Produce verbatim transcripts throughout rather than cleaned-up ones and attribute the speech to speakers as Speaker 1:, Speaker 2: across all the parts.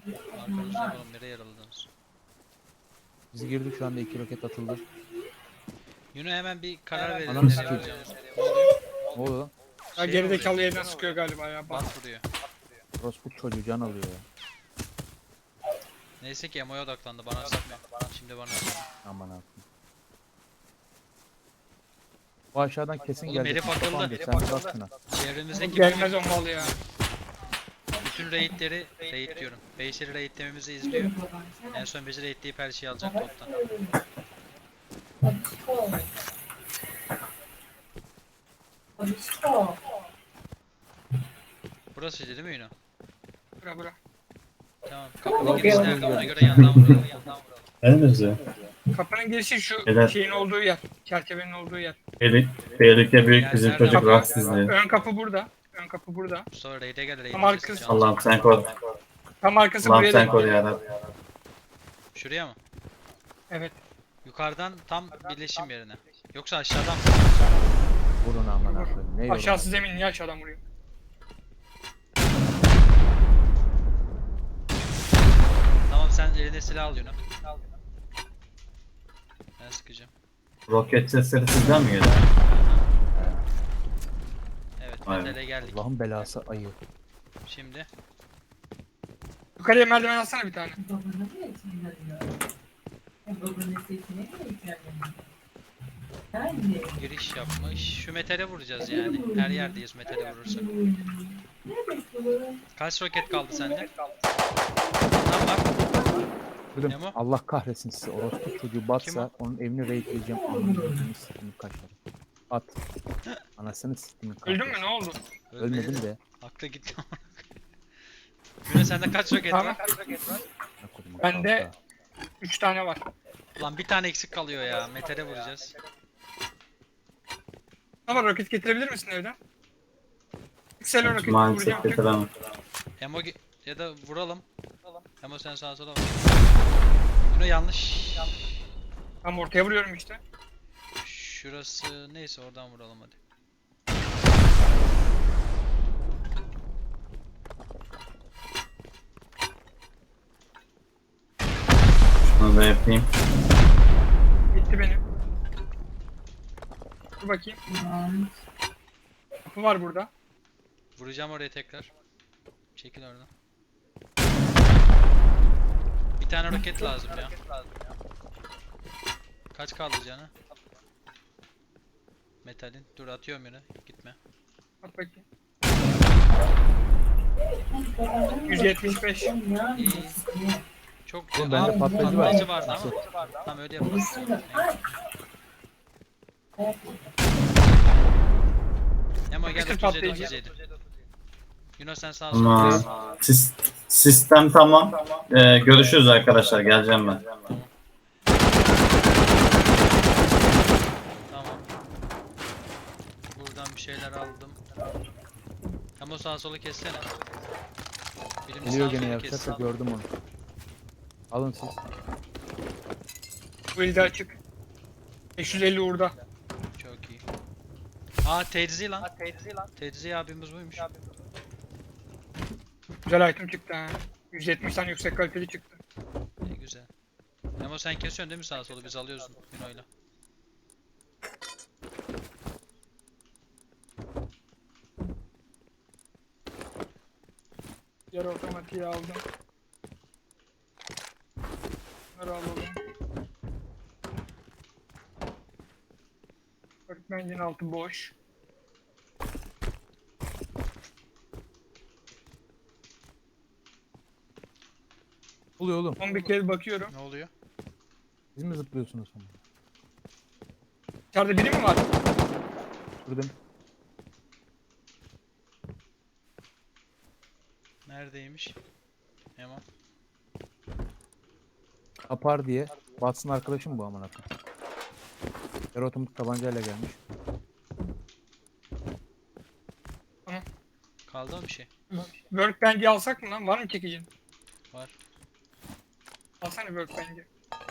Speaker 1: Arkanızda oğlum, nereye yaraladınız?
Speaker 2: Biz girdik, şu anda iki roket atıldı.
Speaker 1: Yuno hemen bir karar verelim
Speaker 2: Ananı
Speaker 1: nereye
Speaker 2: sikeyim.
Speaker 1: vuracağımızı. Ne oluyor?
Speaker 2: Ne oluyor lan?
Speaker 3: Ya
Speaker 1: Şey
Speaker 3: geridekalı
Speaker 1: vuruyor.
Speaker 3: yerden sıkıyor galiba ya. Bak.
Speaker 1: Bat vuruyor.
Speaker 2: Rospu çocuğu can alıyor ya.
Speaker 1: Neyse ki Emo'ya odaklandı, bana sıkmıyor. Şimdi bana sıkmıyor.
Speaker 2: Aman abi. Bu aşağıdan kesin
Speaker 1: Oğlum,
Speaker 2: gelecek.
Speaker 1: herif akıllı.
Speaker 2: Tamam, sen bir bak şuna.
Speaker 1: Çevremizdeki
Speaker 3: Gelmez o mal ya.
Speaker 1: bütün raidleri, raid diyorum, base'leri raidlememizi izliyor. En son bizi raidleyip her şeyi alacak toptan. Burasıydı değil mi Yuno?
Speaker 3: Bura bura.
Speaker 1: Tamam. Kapının girişi nerede? Ona göre yandan vuralım.
Speaker 4: Henüz ya.
Speaker 3: Kapının girişi şu
Speaker 4: Evet.
Speaker 3: şeyin olduğu yer. Çerçevenin olduğu yer.
Speaker 4: Tehlike, tehlike büyük bizim
Speaker 1: Yani
Speaker 4: çocuk
Speaker 1: nerede?
Speaker 4: rahatsızlığı.
Speaker 3: Ön kapı burada. Ön kapı burada.
Speaker 1: Mustafa raid'e gel, raid
Speaker 3: Ama
Speaker 1: edeceğiz.
Speaker 3: arkası-
Speaker 1: Can-
Speaker 4: Allah'ım sen koru.
Speaker 3: Tam arkası
Speaker 4: Allah'ım
Speaker 3: buraya
Speaker 4: sen
Speaker 3: da.
Speaker 4: koru yarabbim.
Speaker 1: Şuraya mı?
Speaker 3: Evet.
Speaker 1: Yukarıdan tam birleşim yerine. Yoksa aşağıdan mı?
Speaker 2: Vurun aman abi. Ne yorum?
Speaker 3: Aşağısı zemin niye aşağıdan vuruyor?
Speaker 1: Tamam, sen eline silah al Yuno. Ben sıkacağım.
Speaker 4: Roket sesleri sizden mi geliyor?
Speaker 1: Evet,
Speaker 4: Aynen.
Speaker 1: metale geldik.
Speaker 2: Allah'ın belası ayı.
Speaker 1: Şimdi
Speaker 3: Yukarıya merdiven alsana bir tane.
Speaker 1: giriş yapmış. Şu metale vuracağız yani. Her yerdeyiz metale vurursak. Kaç roket kaldı sende? Tam bak.
Speaker 2: Dedim,
Speaker 1: Nemo?
Speaker 2: Allah kahretsin sizi. Orospu çocuğu batsa onun evini raidleyeceğim. Anasını siktimin kaşları. At. Anasını siktimin kaşları.
Speaker 3: Öldün mü ne oldu?
Speaker 2: Ölmedim de.
Speaker 1: Aklı gitti. Güne sende kaç roket
Speaker 3: Tamam.
Speaker 1: var?
Speaker 2: Ne koydum,
Speaker 3: Bende-
Speaker 2: kalka.
Speaker 3: Üç tane var.
Speaker 1: Lan bir tane eksik kalıyor ya. Metale vuracağız.
Speaker 3: Ama roket getirebilir misin evden? Yükselen roketi
Speaker 4: Maalesef
Speaker 3: vuracağım. tek-
Speaker 4: getiremem.
Speaker 1: Emo ge- ya da vuralım. Emo sen sağa sola bak. Bunu yanlış.
Speaker 3: Tam ortaya vuruyorum işte.
Speaker 1: Şurası neyse, oradan vuralım hadi.
Speaker 4: Şunu da yapayım.
Speaker 3: Bitti benim. Dur bakayım. Kapı var burada.
Speaker 1: Vuracağım oraya tekrar. Çekil oradan. Bir tane roket lazım ya. Kaç kaldı canı? Metalin. Dur, atıyorum yine. Gitme.
Speaker 3: Bak bakayım. yüz yetmiş beş.
Speaker 1: İyi. Çok
Speaker 2: Oğlum bende
Speaker 1: Aa,
Speaker 2: patlayıcı var.
Speaker 1: patlayıcı vardı ama. Tamam, öyle yapalım. Emo gel,
Speaker 3: Yapıştır
Speaker 1: otuz yedi
Speaker 3: patlayıcı.
Speaker 1: otuz yedi. Yunus sen sağa sola.
Speaker 4: Ama sis, sistem tamam. Ee, görüşürüz arkadaşlar. Geleceğim ben.
Speaker 1: Tamam. Buradan bir şeyler aldım. Emo sağa sola kessene. Birini
Speaker 2: Geliyor
Speaker 1: sağa
Speaker 2: gene
Speaker 1: sola
Speaker 2: yapacak
Speaker 1: kes.
Speaker 2: da gördüm onu. Alın siz.
Speaker 3: Bu elde açık. beş yüz elli uğurda.
Speaker 1: Çok iyi. Aa, Tedzi lan. Tedzi abimiz buymuş.
Speaker 3: Güzel item çıktı ha. yüz yetmiş tane yüksek kaliteli çıktı.
Speaker 1: Ne güzel. Emo sen kesiyorsun değil mi sağa solu? Biz alıyoruz Yuno'yla.
Speaker 3: Yarı otomatiği aldım. Bunları alalım. Workbench'in altı boş.
Speaker 2: Oluyor oğlum.
Speaker 3: Son bir kez bakıyorum.
Speaker 1: Ne oluyor?
Speaker 2: Siz mi zıplıyorsunuz sonra?
Speaker 3: İçeride biri mi var?
Speaker 2: Şuradan.
Speaker 1: Neredeymiş? Emo.
Speaker 2: Apar diye. Batsın arkadaşım bu amına koyayım. Yarı otomatik tabancayla gelmiş.
Speaker 1: Kaldı mı bir şey?
Speaker 3: Workbench'i alsak mı lan? Var mı çekicin?
Speaker 1: Var.
Speaker 3: Alsana Workbench'i.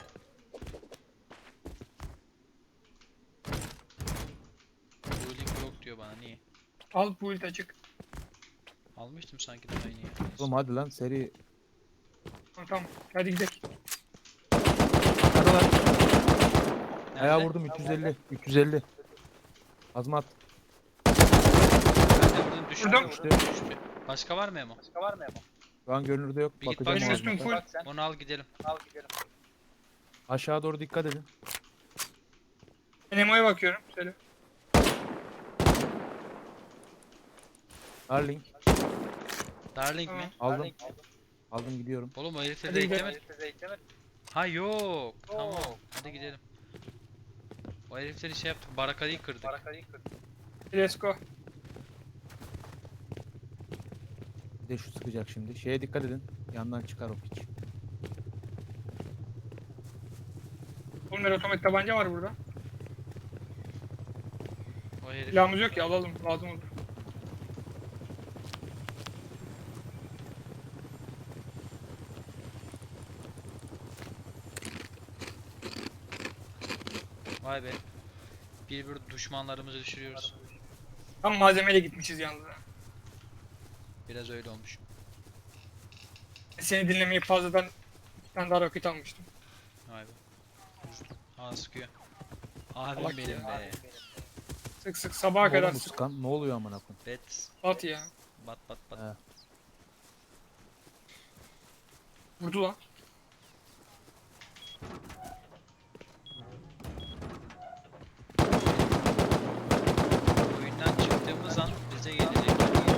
Speaker 1: Ruling yok diyor bana, niye?
Speaker 3: Al build açık.
Speaker 1: Almıştım sanki daha yeni ya.
Speaker 2: Oğlum hadi lan seri.
Speaker 3: Tamam, tamam. Hadi gidelim.
Speaker 2: Nerede? Ayağa
Speaker 1: Nerede?
Speaker 2: vurdum üç yüz elli. üç yüz elli. Azmat.
Speaker 1: Ben de vurdum, düştü.
Speaker 3: Vurdum.
Speaker 1: Düştü. Düştü. Başka var mı Emo?
Speaker 2: Şu an görünürde yok.
Speaker 1: Bir git
Speaker 2: Bakacağım
Speaker 3: Benim
Speaker 1: bak.
Speaker 3: üstüm
Speaker 2: Azmat'a.
Speaker 3: full.
Speaker 1: Onu al gidelim.
Speaker 2: Aşağı doğru dikkat edin.
Speaker 3: Ben Emo'ya bakıyorum. Söyle.
Speaker 2: Darling.
Speaker 1: Darling
Speaker 3: Tamam.
Speaker 1: mi?
Speaker 2: Aldım. Aldım gidiyorum.
Speaker 1: Oğlum o herifleri
Speaker 3: Hadi gidelim.
Speaker 1: raidlemedi. Ha yok. Tamam. Hadi gidelim. O herifleri şey yaptık. Barakayı kırdık.
Speaker 3: Let's go.
Speaker 2: Bir de şu sıkacak şimdi. Şeye dikkat edin. Yandan çıkar o piç.
Speaker 3: Oğlum bir otomatik tabanca var burada.
Speaker 1: O herif.
Speaker 3: Silahımız yok ya, alalım. Lazım olur.
Speaker 1: Vay be. Bir bir düşmanlarımızı düşürüyoruz.
Speaker 3: Tam malzemeyle gitmişiz yalnız. ha.
Speaker 1: Biraz öyle olmuş.
Speaker 3: Seni dinlemeyi fazladan bir tane daha roket almıştım.
Speaker 1: Vay be. Aa sıkıyor. Abim
Speaker 3: Salak
Speaker 1: benim
Speaker 3: ya.
Speaker 1: be.
Speaker 3: Sık sık sabaha kadar
Speaker 2: Oğlum bu
Speaker 3: sık.
Speaker 2: sıkan ne oluyor amına koyayım?
Speaker 1: Bet.
Speaker 3: At ya.
Speaker 1: Bat bat bat.
Speaker 2: He.
Speaker 3: Vurdu lan.
Speaker 1: Oyundan çıktığımız an bize gelecek.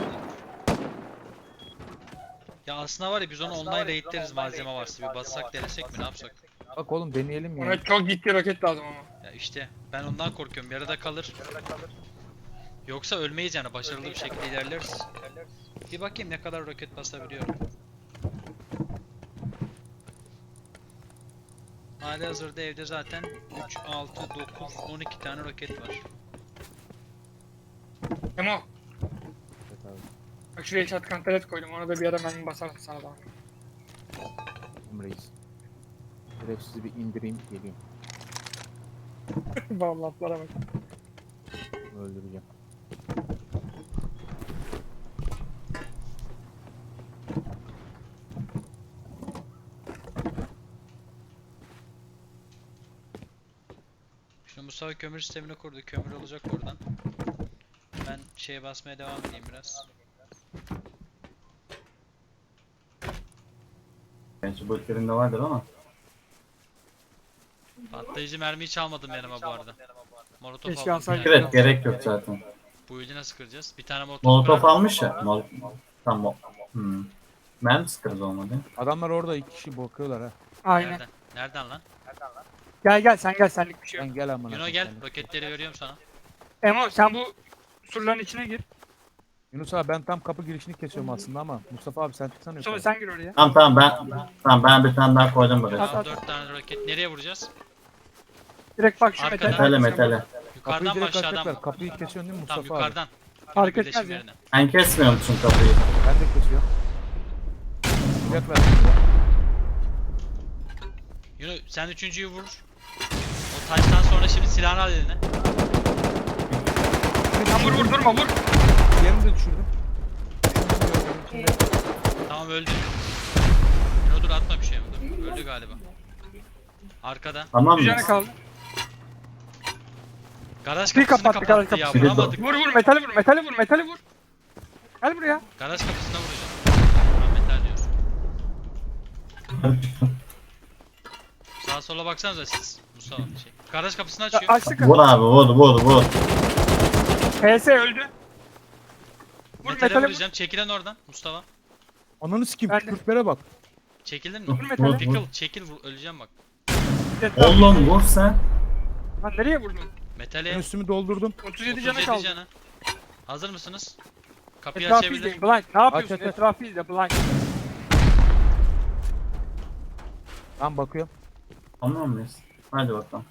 Speaker 1: Ya aslında var ya biz onu online raidleriz malzeme varsa bir bassak denesek mi ne yapsak?
Speaker 2: Bak oğlum deneyelim ya.
Speaker 3: Ona çok ciddi roket lazım ama.
Speaker 1: Ya işte ben ondan korkuyorum yarıda kalır. Yoksa ölmeyiz yani başarılı bir şekilde ilerleriz. Bir bakayım ne kadar roket basabiliyorum. Hali hazırda evde zaten üç, altı, dokuz, on iki tane roket var.
Speaker 3: Emo.
Speaker 2: Evet abi.
Speaker 3: Bak şuraya shotgun taret koydum. Ona da bir ara mermi basarsın sana da.
Speaker 2: Tamam reis. Direkt sizi bir indireyim geleyim.
Speaker 3: Vallahi laflara bak.
Speaker 2: Öldüreceğim.
Speaker 1: Şimdi Mustafa kömür sistemini kurdu. Kömür olacak oradan. Ben şeye basmaya devam edeyim biraz.
Speaker 4: Gerçi bu ülkelerinde vardır ama.
Speaker 1: Patlayıcı mermiyi çalmadım yanıma bu arada. Molotof
Speaker 3: Keşke
Speaker 1: aldım.
Speaker 3: alsaydık.
Speaker 1: Yani.
Speaker 4: Evet gerek yok zaten.
Speaker 1: Bu ildi nasıl kıracağız? Bir tane molotof,
Speaker 4: Molotof
Speaker 1: kırar-
Speaker 4: almış ya. Mol tamam. Hmm. Ben sıkarız olmadı.
Speaker 2: Adamlar orada iki kişi bakıyorlar ha.
Speaker 3: Aynen.
Speaker 1: Nereden? Nereden lan?
Speaker 3: Gel gel sen gel, senlik bir şey yok.
Speaker 2: Sen gel amına.
Speaker 1: Yuno
Speaker 2: koyayım,
Speaker 1: gel.
Speaker 2: senlik.
Speaker 1: Roketleri veriyorum sana.
Speaker 3: Emo sen bu surların içine gir.
Speaker 2: Yunus abi ben tam kapı girişini kesiyorum aslında ama Mustafa abi sen çıksana
Speaker 3: Sonra
Speaker 2: yukarı.
Speaker 3: sen gir oraya.
Speaker 4: Tamam tamam ben tamam ben bir tane daha koydum buraya.
Speaker 3: At,
Speaker 1: Tamam
Speaker 3: at.
Speaker 1: dört tane roket. Nereye vuracağız?
Speaker 3: Direkt bak şu
Speaker 1: Arkadan.
Speaker 3: metal.
Speaker 4: Metale metale.
Speaker 2: Kapıyı
Speaker 1: Yukarıdan mı
Speaker 2: direkt
Speaker 1: aşağıdan mı?
Speaker 2: açacaklar. Kapıyı kesiyorsun değil mi
Speaker 1: Tamam
Speaker 2: Mustafa abi?
Speaker 1: yukarıdan.
Speaker 3: Fark
Speaker 1: Birleşim
Speaker 3: etmez ya.
Speaker 1: yerine.
Speaker 4: Sen kesmiyor musun kapıyı?
Speaker 2: Ben de kesiyorum. Yapacaklar şimdi ya.
Speaker 1: Yuno sen üçüncüyü vur. O taştan sonra şimdi silahını al eline.
Speaker 3: Sen vur vur durma vur.
Speaker 2: Diğerini de düşürdüm. Şimdi
Speaker 1: Tamam öldü. Yuno dur atma bir şey mi? Dur. Öldü galiba. Arkada.
Speaker 4: Tamam mı?
Speaker 3: Düzene kaldı.
Speaker 1: Garaj
Speaker 3: Bir
Speaker 1: kapısını
Speaker 3: kapattı,
Speaker 1: kapattı,
Speaker 3: garaj
Speaker 1: ya
Speaker 4: kapısını.
Speaker 1: vuramadık.
Speaker 3: Vur vur metali vur metali vur metali vur. Gel buraya.
Speaker 1: Garaj kapısına vuracağım. Ahmetler diyor. Sağa sola baksanıza siz. Mustafa şey. Garaj kapısını
Speaker 3: Ya,
Speaker 1: açıyor.
Speaker 3: açtık.
Speaker 4: Vur abi vur vur vur.
Speaker 3: P S öldü. Vur
Speaker 1: Metale
Speaker 3: metali vur.
Speaker 1: vuracağım. Çekilen oradan Mustafa.
Speaker 2: ananı sikeyim
Speaker 3: Ben de-
Speaker 2: tükürtlere bak.
Speaker 1: Çekildin mi?
Speaker 3: Vur metali.
Speaker 4: Vur, vur.
Speaker 1: Pickle çekil vur öleceğim bak.
Speaker 4: Oğlum vur sen.
Speaker 3: Lan nereye vurdun?
Speaker 2: Ben
Speaker 1: Metale
Speaker 2: üstümü doldurdum.
Speaker 3: otuz yedi
Speaker 1: otuz
Speaker 3: canı
Speaker 1: yedi
Speaker 3: kaldı.
Speaker 1: canı. Hazır mısınız? Kapıyı
Speaker 3: Etrafı
Speaker 1: açabilir.
Speaker 3: izleyin blind. Ne yapıyorsun?
Speaker 2: Aç, aç, aç.
Speaker 3: Etrafı izle blind.
Speaker 2: Tamam bakıyorum.
Speaker 4: Tamam mıyız? Hadi bakalım.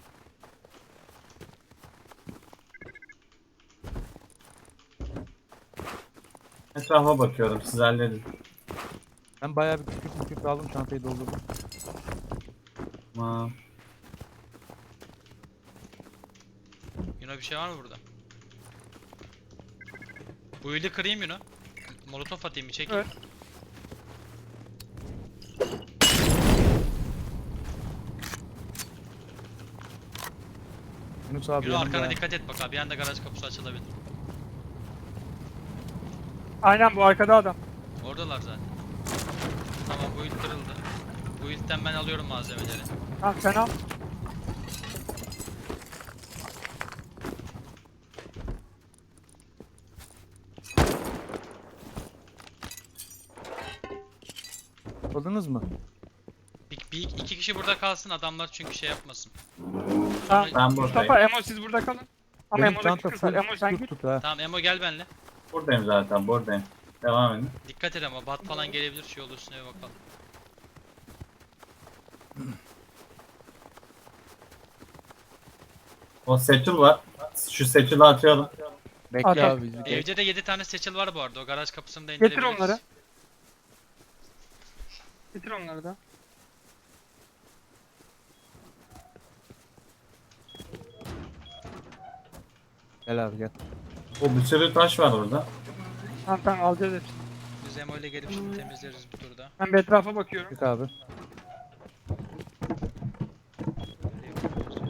Speaker 4: Etrafa bakıyorum siz halledin.
Speaker 2: Ben bayağı bir kükürt mükürt aldım çantayı doldurdum.
Speaker 4: Tamam.
Speaker 1: Yuno bir şey var mı burada? Bu ildi kırayım Yuno. Molotof atayım bir çekil.
Speaker 3: Evet.
Speaker 2: Yunus abi
Speaker 1: Yürü
Speaker 2: yanımda.
Speaker 1: arkana dikkat et bak abi. Bir anda garaj kapısı açılabilir.
Speaker 3: Aynen bu arkada adam.
Speaker 1: Oradalar zaten. Tamam bu ilk kırıldı. Bu ilkten ben alıyorum malzemeleri.
Speaker 3: Tamam sen al.
Speaker 2: Buldunuz mu?
Speaker 1: Bir, bir iki kişi burada kalsın adamlar çünkü şey yapmasın.
Speaker 3: Tamam.
Speaker 4: Ben
Speaker 3: Mustafa,
Speaker 4: buradayım.
Speaker 3: Emo siz burada kalın. Ama
Speaker 2: Benim
Speaker 3: Emo'daki
Speaker 2: çanta
Speaker 3: kız var.
Speaker 2: full
Speaker 3: Emo sen
Speaker 2: tut
Speaker 3: git.
Speaker 2: tut ha.
Speaker 1: Tamam Emo gel benle.
Speaker 4: Buradayım zaten buradayım. Devam edin.
Speaker 1: Dikkat et ama bat falan gelebilir şey olur üstüne bir bakalım.
Speaker 4: O Seçil var. Şu Seçil'i atıyorum.
Speaker 2: Bekle
Speaker 3: At, at.
Speaker 2: abi bizi. Geç.
Speaker 1: Evde de yedi tane seçil var bu arada. O garaj kapısını da
Speaker 3: Getir
Speaker 1: indirebiliriz.
Speaker 3: onları. Getir onları da.
Speaker 2: Gel abi gel.
Speaker 4: O bir sürü taş var orada.
Speaker 3: Tamam tamam alacağız hepsini.
Speaker 1: Biz Emo ile gelip şimdi temizleriz bu turda.
Speaker 3: Ben bir etrafa bakıyorum.
Speaker 2: Çık abi.
Speaker 1: Böyle yapıyoruz.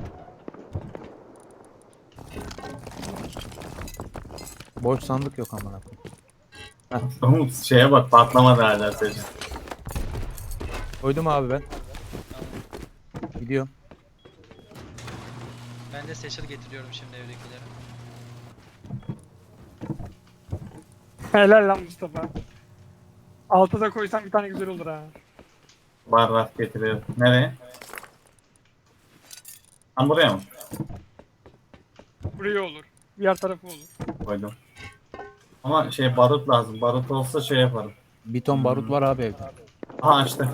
Speaker 2: Boş sandık yok amına koyayım.
Speaker 4: Umut şeye bak patlamadı hala Seçil.
Speaker 2: Koydum abi ben.
Speaker 1: Tamam.
Speaker 2: Gidiyorum.
Speaker 1: Ben de seçil getiriyorum şimdi evdekileri.
Speaker 3: Helal lan Mustafa. Alta da koysam bir tane güzel olur ha.
Speaker 4: Barrak getiriyor. Nereye? Ha buraya mı?
Speaker 3: Buraya olur. Diğer tarafı olur.
Speaker 4: Koydum. Ama şey barut lazım. Barut olsa şey yaparım.
Speaker 2: Bir ton barut var abi evde.
Speaker 4: Aha açtı.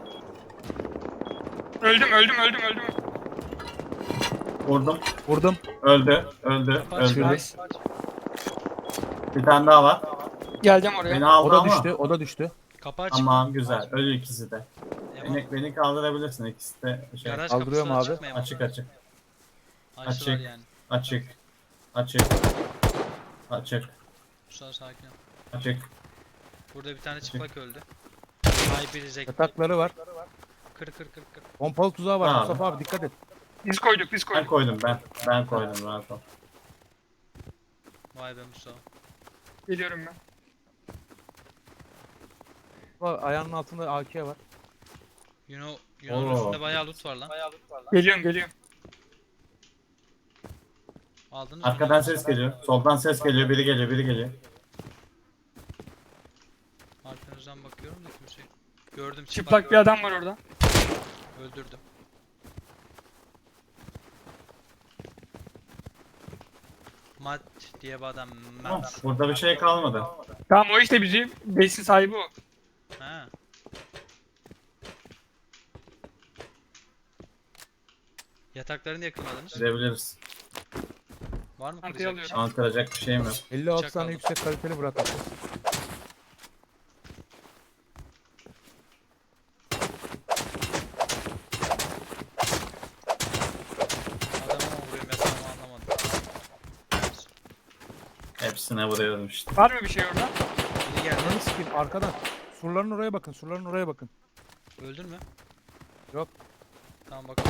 Speaker 3: Öldüm öldüm öldüm öldüm.
Speaker 4: Vurdum.
Speaker 2: Vurdum.
Speaker 4: Öldü. Öldü.
Speaker 1: Kaç
Speaker 4: Öldü.
Speaker 1: kaç.
Speaker 4: Bir tane daha var.
Speaker 3: Geleceğim oraya.
Speaker 4: Beni aldı
Speaker 2: O da
Speaker 4: ama.
Speaker 2: düştü. O da düştü.
Speaker 1: Kapı açık.
Speaker 4: Tamam güzel. Ölü ikisi de.
Speaker 1: Emo,
Speaker 4: Beni, beni kaldırabilirsin ikisi de. Şey,
Speaker 1: garaj
Speaker 2: Kaldırıyorum
Speaker 1: kapısı
Speaker 2: abi.
Speaker 1: açık mı Emo?
Speaker 4: açık açık.
Speaker 1: Açtılar
Speaker 4: açık.
Speaker 1: yani.
Speaker 4: Açık. Açık. Açık.
Speaker 1: Mustafa sakin ol.
Speaker 4: Açık.
Speaker 1: Burada bir tane çıplak öldü. Ay bir zek.
Speaker 2: Yatakları var.
Speaker 1: Kır kır kır kır.
Speaker 2: Pompalı tuzağı var.
Speaker 4: Abi.
Speaker 2: Mustafa abi dikkat et.
Speaker 3: Biz koyduk biz
Speaker 4: Ben
Speaker 3: koyduk.
Speaker 4: koydum ben. Ben koydum rahat ol.
Speaker 1: Vay be Mustafa.
Speaker 3: Geliyorum ben.
Speaker 2: Mustafa, ayağının altında A K var.
Speaker 1: Yuno, Yuno'nun
Speaker 4: Oo.
Speaker 1: üstünde bayağı loot var lan.
Speaker 3: Geliyorum geliyorum.
Speaker 1: Aldınız mı?
Speaker 4: Arkadan ses geliyor. Soldan ses geliyor. Biri geliyor. Biri geliyor.
Speaker 1: Arkanızdan bakıyorum da kimse. Gördüm
Speaker 3: Çıplak bir adam var orada.
Speaker 1: Öldürdüm. Mat diye bir adam.
Speaker 4: Tamam.
Speaker 1: Mat.
Speaker 4: Burada bir şey kalmadı.
Speaker 3: Tamam o işte bizim besin sahibi o.
Speaker 1: Ha. Yataklarını yakınladınız.
Speaker 4: Gidebiliriz.
Speaker 1: Var mı
Speaker 3: Arkaya
Speaker 1: kıracak bir
Speaker 3: alıyorum.
Speaker 1: şey?
Speaker 4: Anlatacak bir şeyim yok.
Speaker 2: elli altı
Speaker 1: Bıçak
Speaker 2: tane
Speaker 1: aldım.
Speaker 2: yüksek kaliteli bırakmış.
Speaker 1: Adamı mı vuruyorum yatağımı anlamadım.
Speaker 4: Hepsine vuruyorum işte.
Speaker 3: Var mı bir şey orada?
Speaker 1: Biri geldi.
Speaker 2: Ananı sikeyim arkadan. Surların oraya bakın. Surların oraya bakın.
Speaker 1: Öldün mü?
Speaker 2: Yok.
Speaker 1: Tamam bakalım.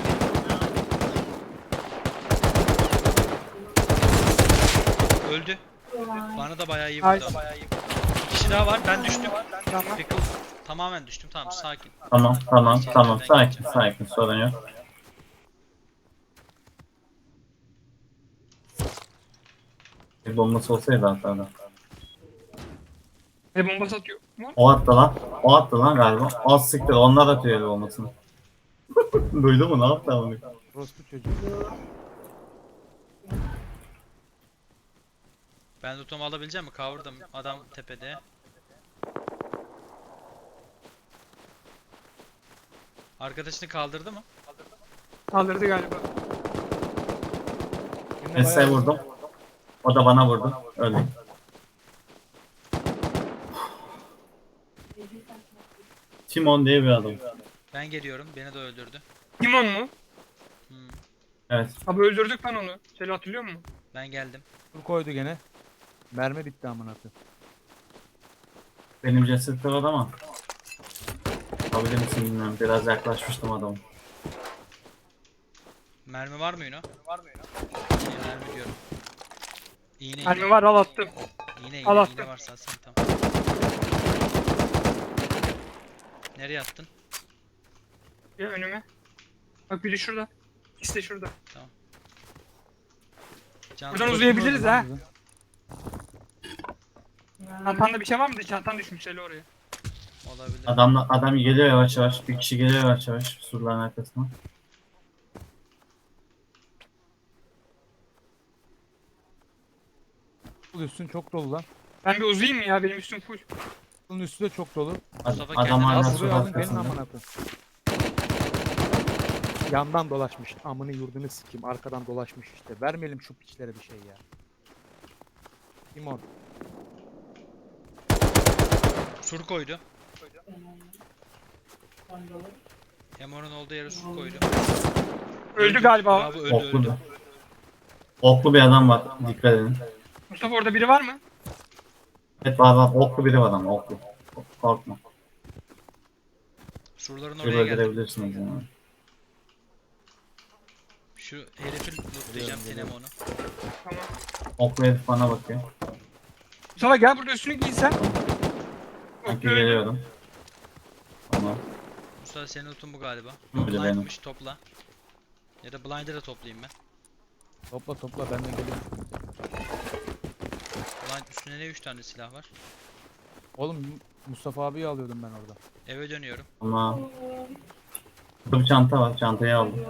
Speaker 1: Öldü. Bana da bayağı iyi
Speaker 3: Ay.
Speaker 1: vurdu. Bir kişi daha var. Ben düştüm.
Speaker 3: Tamam.
Speaker 1: Pickle. Tamamen düştüm. Tamam sakin.
Speaker 4: Tamam tamam tamam. Sakin sakin. Sorun yok. Bir bombası olsaydı hatta da.
Speaker 3: Ne bomba satıyor? Mu?
Speaker 4: O attı lan. O attı lan galiba. Az siktir. Onlar atıyor el bombasını. Duydu mu? Ne yaptı onu?
Speaker 2: Orospu çocuğu.
Speaker 1: Ben lootumu alabileceğim mi? Kavurdum. Adam tepede. Arkadaşını kaldırdı mı?
Speaker 3: Kaldırdı galiba.
Speaker 2: Birine
Speaker 4: Esa'ya
Speaker 2: bayağı-
Speaker 4: vurdum. O da bana vurdu. Öldü. Timon diye bir adam.
Speaker 1: Ben geliyorum. Beni de öldürdü.
Speaker 3: Timon mu?
Speaker 1: Hmm,
Speaker 4: Evet.
Speaker 3: Abi öldürdük lan onu. Seni hatırlıyor musun?
Speaker 1: ben geldim.
Speaker 2: Sur koydu gene. Mermi bitti amına koyayım.
Speaker 4: Benim ceset var ama. Kabul misin bilmiyorum. Biraz yaklaşmıştım adamı.
Speaker 1: Mermi var mı Yuno? Var mı Yuno? İyi, mermi diyorum. İğne iğne.
Speaker 3: Mermi var, al attım.
Speaker 1: İğne iğne,
Speaker 3: Al
Speaker 1: iğne
Speaker 3: attım.
Speaker 1: varsa atsana tamam. Nereye attın?
Speaker 3: Ya önüme. Bak biri şurada. İkisi de şurada.
Speaker 1: Can
Speaker 3: Buradan
Speaker 1: Can-
Speaker 3: uzayabiliriz ha.
Speaker 2: Bizim.
Speaker 3: Çantanda bir şey var mı? Çantan düşmüş hele oraya.
Speaker 1: olabilir.
Speaker 4: Adam, adam geliyor yavaş yavaş. Bir kişi geliyor yavaş yavaş surların arkasına.
Speaker 2: Bu üstün çok dolu lan.
Speaker 3: Ben bir uzayayım mı ya? Benim üstüm full.
Speaker 2: Bunun üstü de çok dolu.
Speaker 1: Mustafa
Speaker 4: Adam
Speaker 1: kendine
Speaker 4: hala
Speaker 1: az
Speaker 2: Az
Speaker 4: sur
Speaker 2: buraya alın gelin
Speaker 4: arkasında.
Speaker 2: amına koyayım. Yandan dolaşmış. Amını yurdunu sikeyim. Arkadan dolaşmış işte. Vermeyelim şu piçlere bir şey ya. Timon.
Speaker 1: Sur koydu. Emor'un olduğu yere sur koydu.
Speaker 3: Öldü galiba.
Speaker 1: Bravo öldü
Speaker 4: Oklu bir.
Speaker 1: öldü.
Speaker 4: Oklu bir adam var. Dikkat edin.
Speaker 3: Mustafa orada biri var mı?
Speaker 4: Evet var var. Oklu biri var ama oklu. Korkma.
Speaker 1: Surların
Speaker 4: Bir
Speaker 1: oraya geldi.
Speaker 4: öldürebilirsiniz yani.
Speaker 1: Şu herifi lootlayacağım Tinem onu.
Speaker 3: Tamam.
Speaker 4: Oklu herif bana bakıyor.
Speaker 3: Mustafa gel burada üstünü giysen.
Speaker 4: Sanki geliyorum. Ama
Speaker 1: Mustafa senin lootun bu galiba.
Speaker 4: Öyle benim.
Speaker 1: Blind'mış topla. Ya da blind'ı da toplayayım ben.
Speaker 2: Topla topla ben de geliyorum.
Speaker 1: Blind üstünde ne üç tane silah var.
Speaker 2: Oğlum Mustafa abiyi alıyordum ben orada.
Speaker 1: Eve dönüyorum.
Speaker 4: ama burada bir çanta var. Çantayı aldım.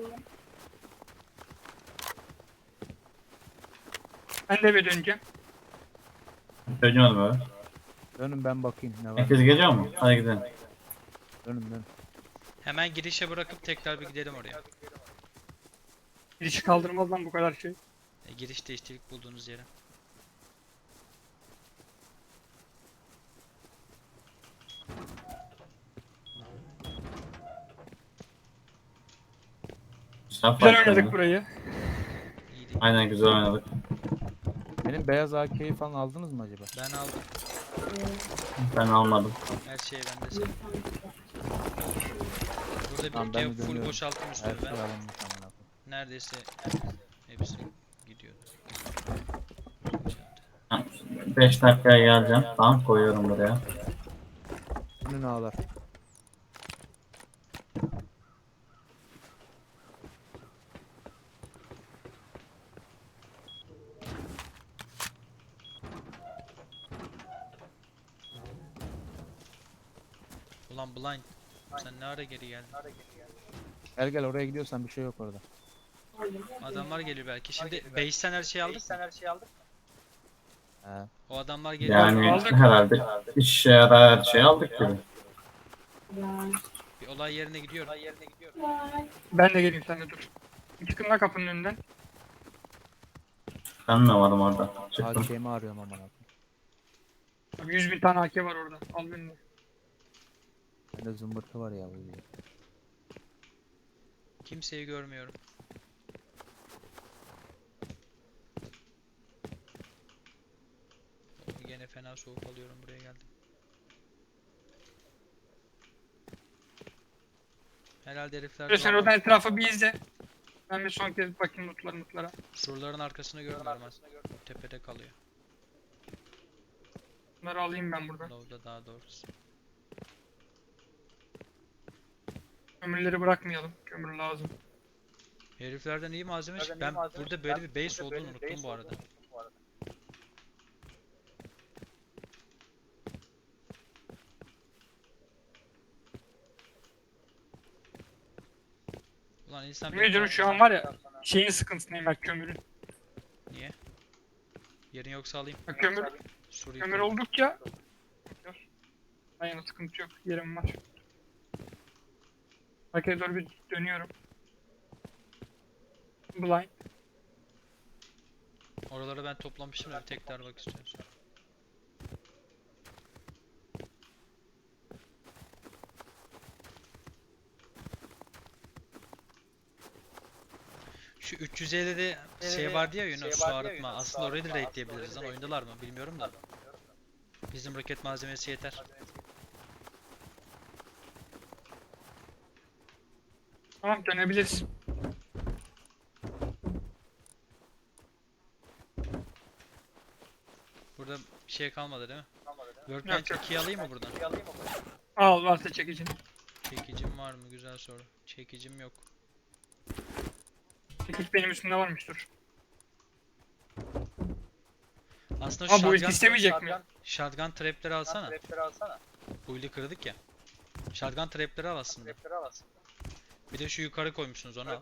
Speaker 3: Ben de eve döneceğim.
Speaker 4: Dönüyorum öyle.
Speaker 2: Dönün ben bakayım ne var.
Speaker 4: Herkes geliyor mu? Hadi gidelim.
Speaker 2: Dönün dönün.
Speaker 1: Hemen girişe bırakıp tekrar bir gidelim oraya.
Speaker 3: Girişi kaldırmaz lan bu kadar şey.
Speaker 1: E, girişte işte ilk bulduğunuz yere.
Speaker 4: Güzel
Speaker 3: Güzel
Speaker 4: fight
Speaker 3: oynadık
Speaker 4: oldu.
Speaker 3: burayı.
Speaker 1: İyiydi.
Speaker 4: Aynen güzel oynadık.
Speaker 2: Benim beyaz A K'yi falan aldınız mı acaba?
Speaker 1: Ben aldım.
Speaker 4: Ben almadım.
Speaker 1: Her şey bende senin. Burada
Speaker 2: Tamam,
Speaker 1: bir
Speaker 2: ben
Speaker 1: ülke
Speaker 2: de
Speaker 1: full
Speaker 2: dönüyorum.
Speaker 1: boşalttım
Speaker 2: Her
Speaker 1: üstünü
Speaker 2: şey
Speaker 1: ben.
Speaker 2: alınmış amına koyayım.
Speaker 1: Neredeyse hepsi gidiyordu.
Speaker 4: beş dakikaya geleceğim. Tamam koyuyorum buraya.
Speaker 2: Önünü ağlar.
Speaker 1: Ulan blind. Sen ne ara geri geldin?
Speaker 2: Gel gel oraya gidiyorsan bir şey yok orada.
Speaker 1: Adamlar geliyor belki. Şimdi base'ten her şeyi aldık.
Speaker 2: He.
Speaker 1: O adamlar geliyor.
Speaker 4: Yani
Speaker 3: Aldık.
Speaker 4: herhalde işe yarar her şeyi aldık gibi.
Speaker 1: Bir olay yerine gidiyorum.
Speaker 3: Ben de geleyim sen de dur. Çıkın lan kapının önünden.
Speaker 4: Ben mi varım orada? Çıktım.
Speaker 2: A K'mi arıyorum amına koyayım.
Speaker 3: Abi yüz bin tane A K var orada. Al beni.
Speaker 2: Bende zımbırtı var ya. bu yüzden.
Speaker 1: Kimseyi görmüyorum. Gene fena soğuk alıyorum buraya geldim. Herhalde herifler
Speaker 3: Dur sen
Speaker 1: doğru.
Speaker 3: oradan etrafı bir izle. Ben bir son kez bakayım mutlara mutlara.
Speaker 1: Surların arkasını görmüyorum aslında. Tepede kalıyor.
Speaker 3: Bunları alayım ben buradan.
Speaker 1: Low'da daha doğrusu.
Speaker 3: Kömürleri bırakmayalım. Kömür lazım.
Speaker 1: Heriflerden iyi malzeme çıktı. Ben burada böyle bir base olduğunu unuttum bu arada. Ulan insan
Speaker 3: Yemin ediyorum şu an var ya şeyin sıkıntısındayım ben kömürün.
Speaker 1: Niye? Yerin yoksa alayım.
Speaker 3: Bak kömür,
Speaker 1: Sur'u
Speaker 3: kömür
Speaker 1: yıkayım.
Speaker 3: oldukça aynen sıkıntı yok. Yerim var. Arkaya doğru bir dönüyorum. Blind.
Speaker 1: Oraları ben toplamıştım da bir tekrar bak istiyorsun. Şu üç yüz ellide şey vardı ya Yunan su arıtma. Aslında orayı da raidleyebiliriz lan. Oyundalar mı bilmiyorum da. Bizim roket malzemesi yeter.
Speaker 3: Tamam dönebiliriz.
Speaker 1: Bir şey kalmadı değil mi?
Speaker 3: Yok,
Speaker 1: Workbench
Speaker 3: yok.
Speaker 1: ikiyi alayım mı buradan?
Speaker 3: Al varsa çekicin.
Speaker 1: Çekicim var mı? Güzel soru. Çekicim yok.
Speaker 3: Çekiç benim üstümde varmış dur.
Speaker 1: Aslında
Speaker 3: Ama
Speaker 1: şu
Speaker 3: bu ilk
Speaker 1: shotgun,
Speaker 3: istemeyecek mi?
Speaker 1: shotgun trapleri alsana. Bu ili kırdık ya. Shotgun trapleri al aslında. Bir de şu yukarı koymuşsunuz onu al.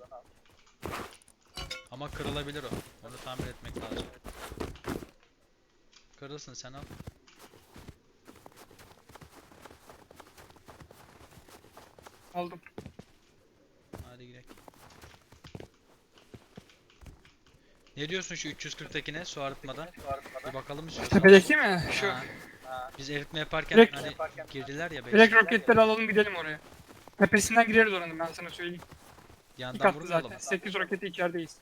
Speaker 1: Ama kırılabilir o. Onu tamir etmek lazım. Kırılsın sen al.
Speaker 3: Aldım.
Speaker 1: Hadi gidelim. Ne diyorsun şu üç yüz kırktakine su arıtmadan? Bir bakalım istiyorsan.
Speaker 3: Tepedeki mi? Şu.
Speaker 1: Ha. Biz eritme yaparken
Speaker 3: Direkt-
Speaker 1: hani girdiler ya
Speaker 3: Direkt
Speaker 1: belki.
Speaker 3: roketleri alalım gidelim oraya. Tepesinden gireriz oranın ben sana söyleyeyim. İki
Speaker 1: Yandan
Speaker 3: katlı
Speaker 1: vurmayalım
Speaker 3: zaten.
Speaker 1: mı?
Speaker 3: sekiz roketi içerideyiz.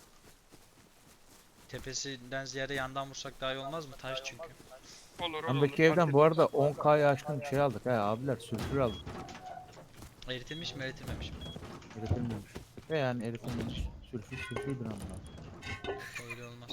Speaker 1: Tepesinden ziyade yandan vursak daha iyi olmaz mı? Taş çünkü.
Speaker 3: Olur olur.
Speaker 2: Yandaki evden bu arada on K'ya aşkın bir şey aldık ha abiler. Sülfür aldık.
Speaker 1: Eritilmiş mi eritilmemiş mi?
Speaker 2: Eritilmemiş. Ve yani eritilmemiş. Sülfür sülfürdür ama.
Speaker 1: Öyle olmaz.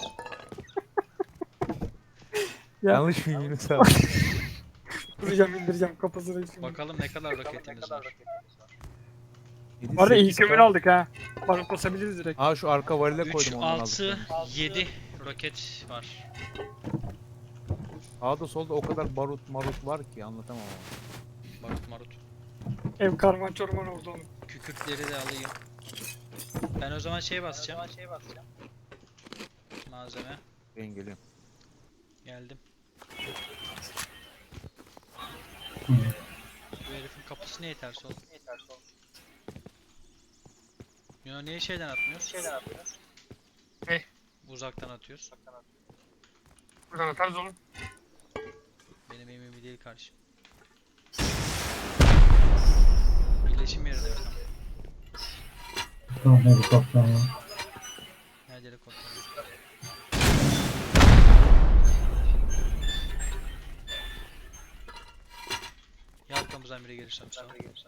Speaker 3: Ya.
Speaker 2: Yanlış mı Yunus abi?
Speaker 3: Vuracağım indireceğim kafasını şimdi.
Speaker 1: Bakalım ne kadar roketimiz var.
Speaker 2: Yedi,
Speaker 3: Bu arada iyi
Speaker 2: sekiz
Speaker 3: kömür
Speaker 2: K.
Speaker 3: aldık ha. Bak basabiliriz direkt.
Speaker 2: Aa şu arka varile
Speaker 1: üç,
Speaker 2: koydum ondan
Speaker 1: altı,
Speaker 2: aldık.
Speaker 1: yedi roket var.
Speaker 2: Sağda solda o kadar barut marut var ki anlatamam ama.
Speaker 1: Barut marut.
Speaker 3: Ev karman çorman oldu onun.
Speaker 1: Kükürtleri de alayım. Ben o zaman şey basacağım. Malzeme.
Speaker 2: Ben geliyorum.
Speaker 1: Geldim.
Speaker 4: Hı.
Speaker 1: Bu herifin kapısı ne yeterse oldu. Ya niye şeyden atmıyoruz?
Speaker 3: Ne?
Speaker 1: Uzaktan atıyoruz.
Speaker 3: Buradan atarız oğlum.
Speaker 1: Benim emin değil karşı. Birleşim yerine mi?
Speaker 4: Tamam helikopter var.
Speaker 1: Nerede helikopter? Ya arkamızdan biri gelirsem sağ ol.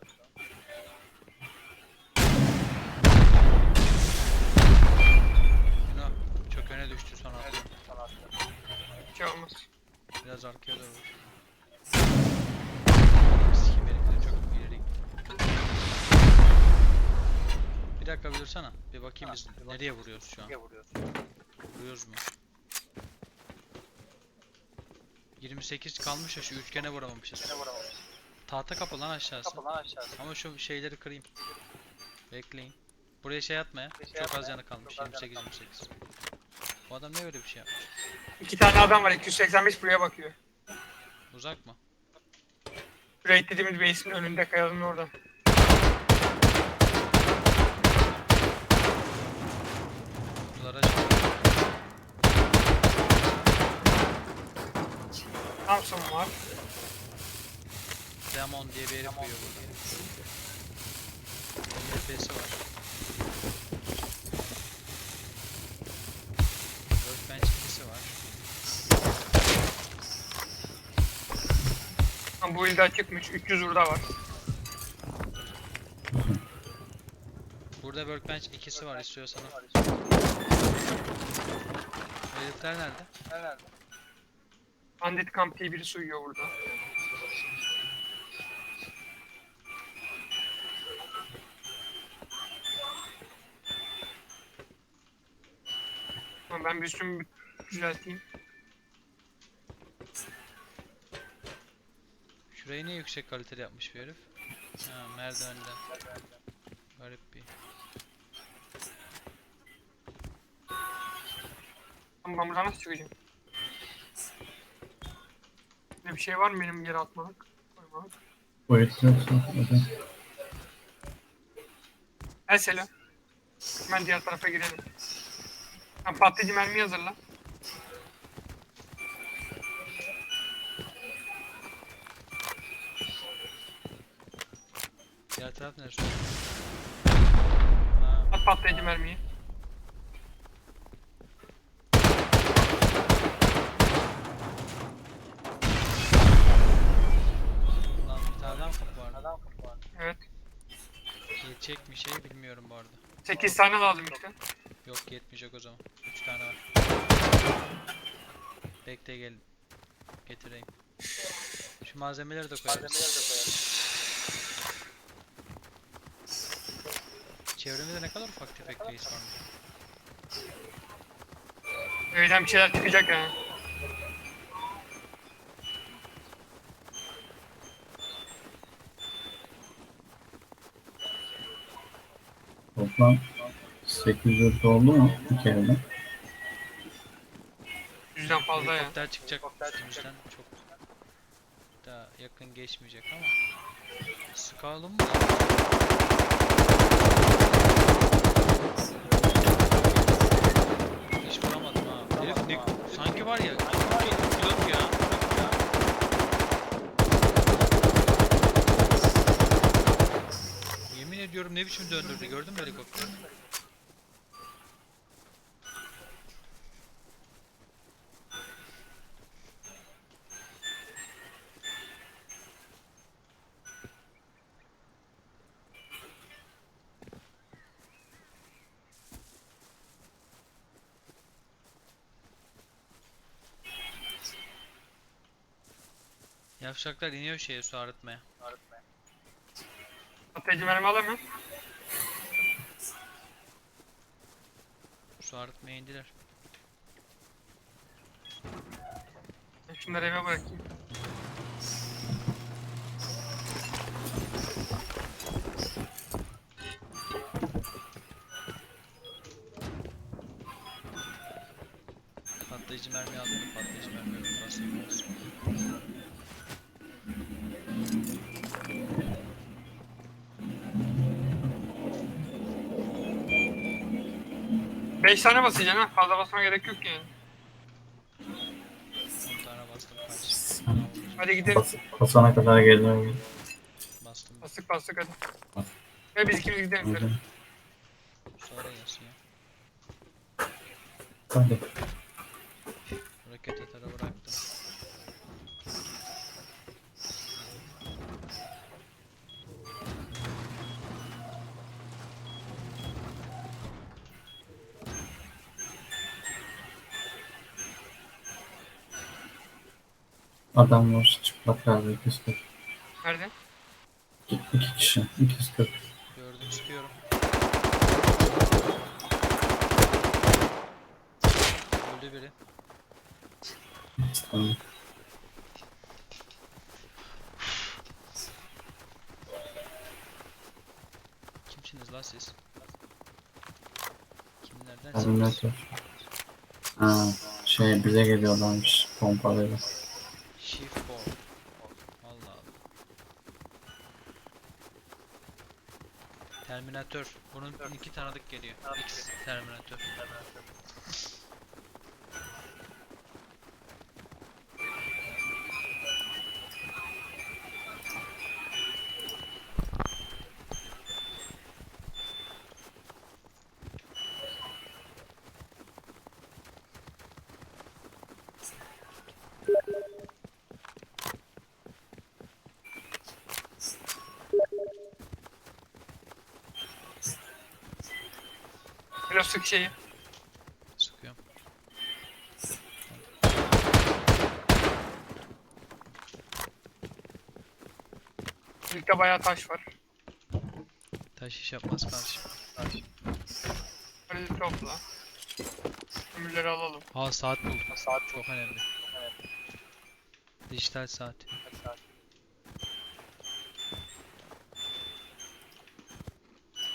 Speaker 1: Yuno çok öne düştü son atlı.
Speaker 3: Bir şey olmaz.
Speaker 1: Biraz arkaya doğru vur. Sikim herifleri çok ileri gitti. Bir dakika bir dursana. Bir bakayım biz nereye vuruyoruz şu an. Vuruyoruz mu? yirmi sekiz kalmış ya şu üçgene vuramamışız. Tahta kapı lan aşağısı. Ama şu şeyleri kırayım. Bekleyin. Buraya şey atma ya. Çok az yanı kalmış. yirmi sekiz yirmi sekiz. Bu adam ne böyle bir şey yapmış?
Speaker 3: İki tane adam var iki yüz seksen beş buraya bakıyor.
Speaker 1: Uzak mı?
Speaker 3: Raid dediğimiz base'in önünde kayalım orada.
Speaker 1: Kutuları açalım.
Speaker 3: Thompson var.
Speaker 1: Demon diye bir herif uyuyor burada. N F S'si var. Workbench ikisi var.
Speaker 3: Ama bu ilde çıkmış. üç yüz burada var.
Speaker 1: Burada Workbench ikisi var istiyorsan. Herifler nerede?
Speaker 3: Bandit Camp diye birisi uyuyor burada. Ama ben bir üstümü bir düzelteyim.
Speaker 1: Şurayı niye yüksek kaliteli yapmış bir herif? Ha, merdivenden. Garip bir.
Speaker 3: Ama ben buradan nasıl çıkacağım? Ne bir şey var mı benim yere atmalık? Koymalık.
Speaker 4: Boyut yoksa. Hadi.
Speaker 3: Mesela. Hemen diğer tarafa girelim. Sen patlayıcı mermi hazırla.
Speaker 1: Diğer taraf neresi? Ha,
Speaker 3: At patlayıcı mermiyi.
Speaker 1: lan bir tane daha mı kapı vardı?
Speaker 3: Evet.
Speaker 1: Yetecek mi şey bilmiyorum bu arada.
Speaker 3: sekiz tane lazım işte.
Speaker 1: Yok yetmeyecek o zaman. üç tane var. Bekle gelin. Getireyim. Şu malzemeleri de koyarız. Çevremizde ne kadar ufak tefek reis var.
Speaker 3: Evden bir şeyler çıkacak yani.
Speaker 4: Toplam sekiz yüz oldu mu bir kereden?
Speaker 3: Yüzden fazla ya.
Speaker 1: Helikopter çıkacak üstümüzden çok daha yakın geçmeyecek ama sıkalım mı? Hiç vuramadım ha. Herif ne, sanki var ya pilot ya. Yemin ediyorum ne biçim döndürdü gördün mü helikopteri? Yavşaklar iniyor şeye su arıtmaya.
Speaker 3: Patlayıcı mermi alayım mı?
Speaker 1: Su arıtmaya indiler.
Speaker 3: Ben şunları eve bırakayım.
Speaker 1: Patlayıcı mermi aldım da patlayıcı mermi yok. Basayım olsun.
Speaker 3: Beş tane basacaksın ha. Fazla basmana gerek yok yani.
Speaker 1: on tane bastım kaç.
Speaker 4: Sen
Speaker 3: Hadi gidelim.
Speaker 4: bas, basana kadar geliyorum.
Speaker 1: Bastım.
Speaker 3: Bastık bastık hadi. Ve biz ikimiz gidelim. şöyle.
Speaker 1: Sonra gelsin ya.
Speaker 4: Hadi.
Speaker 1: Roket atarı bıraktım.
Speaker 4: Adam var çıplak abi iki yüz kırk.
Speaker 3: Nerede?
Speaker 4: İki, iki kişi iki yüz kırk.
Speaker 1: Gördüm sıkıyorum. Öldü biri.
Speaker 4: Tamam.
Speaker 1: Kimsiniz la siz? Kimlerden
Speaker 4: Terminator. Ha, şey bize geliyorlarmış pompalıyla.
Speaker 1: Shift ball. Allah Allah. Terminator. Bunun iki tanıdık geliyor. X Terminator.
Speaker 3: Biraz sık şeyi.
Speaker 1: Sıkıyorum.
Speaker 3: Birlikte bayağı taş var.
Speaker 1: Taş iş yapmaz kardeşim.
Speaker 3: Hadi topla. Ömürleri alalım.
Speaker 1: Aa saat buldum. Saat çok önemli. Dijital saat.